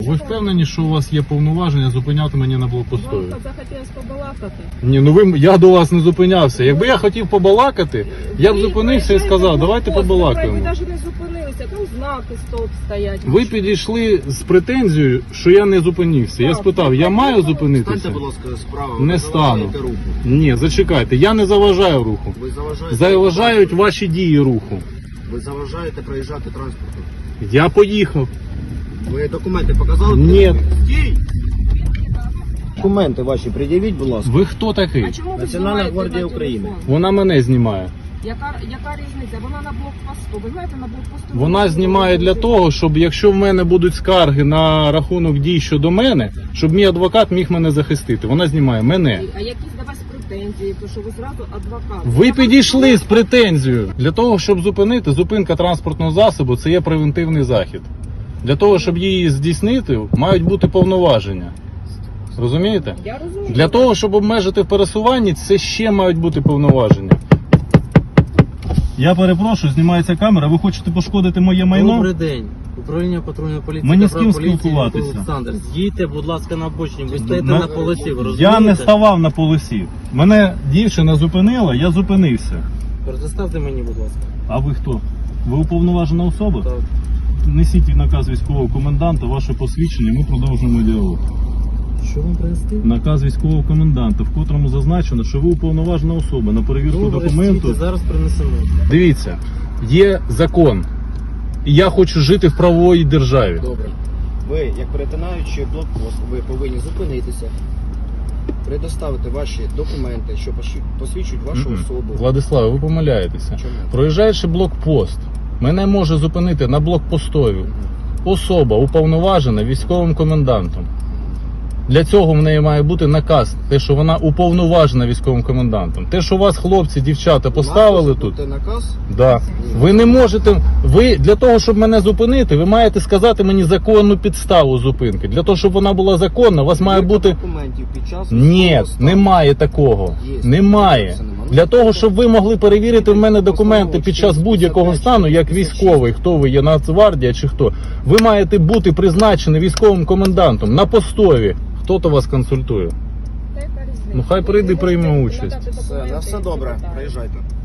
Ви впевнені, що у вас є повноваження зупиняти мене на блокпостові? Вам захотілося побалакати. Ні, ну я до вас не зупинявся. Якби я хотів побалакати, я б зупинився і сказав, давайте побалакаємо. Ви навіть не зупинилися, там знаки стоп стоять. Ви підійшли з претензією, що я не зупинився. Я спитав, я маю зупинитися? Станьте, будь ласка, справа. Не Ви стану. заважаєте руху. Ні, зачекайте, я не заважаю руху. Ви заважаєте. Заважають ваші дії руху. Ви заважаєте проїжджати транспортом. Я поїхав. Ви документи показали? Ні. Стій! Документи ваші пред'явіть, будь ласка. Ви хто такий? А чому ви Національна знімаєте гвардія на України. телефон? Вона мене знімає. Яка різниця? Вона на блокпосту. Ви знаєте, на блокпосту... Вона знімає для того, щоб якщо в мене будуть скарги на рахунок дій щодо мене, щоб мій адвокат міг мене захистити. Вона знімає мене. А якісь до вас претензії, то що ви зразу адвокат. Ви підійшли з претензією. Для того, щоб зупинити, зупинка транспортного засобу – це є превентивний захід. Для того, щоб її здійснити, мають бути повноваження. Розумієте? Я розумію. Для того, щоб обмежити в пересуванні, це ще мають бути повноваження. Я перепрошую, знімається камера. Ви хочете пошкодити моє майно? Добрий день. Управління патрульної поліції. Мені та з ким Правополіції спілкуватися? Олександр, з'їдьте, будь ласка, на обочині. Ви стоїте На- на полосі, ви розумієте? Я не ставав на полосі. Мене дівчина зупинила, я зупинився. Предоставте мені, будь ласка. А ви хто? Ви уповноважена особа? Так. Несіть наказ військового коменданта, ваше посвідчення, ми продовжимо діалог. Що вам принести? Наказ військового коменданта, в котрому зазначено, що ви уповноважена особа на перевірку Добре, документу. стійте, зараз принесемо. Дивіться, є закон. І я хочу жити в правовій державі. Добре. Ви, як перетинаючи блокпост, ви повинні зупинитися, предоставити ваші документи, що посвідчують вашу Мгм. особу. Владиславе, ви помиляєтеся. Чому? Проїжджаючи блокпост, мене може зупинити на блокпостові особа уповноважена військовим комендантом. Для цього в неї має бути наказ, те, що вона уповноважена військовим комендантом. Те, що вас хлопці, дівчата поставили тут, Це наказ? да. Ви не можете, ви для того, щоб мене зупинити, ви маєте сказати мені законну підставу зупинки. Для того, щоб вона була законна, у вас має Перевірка бути... документів під час Ні, військового стану. немає такого. Є. Немає. Це нема. Для того, щоб ви могли перевірити в мене документи під час будь-якого стану, як військовий, хто ви є, Нацгвардія чи хто, ви маєте бути призначені військовим комендантом на постові. Хто-то вас консультує. Та яка різниця? Ну, хай прийде, Ви прийме можете участь. надати Все, документи, на все і добре, питання. приїжджайте.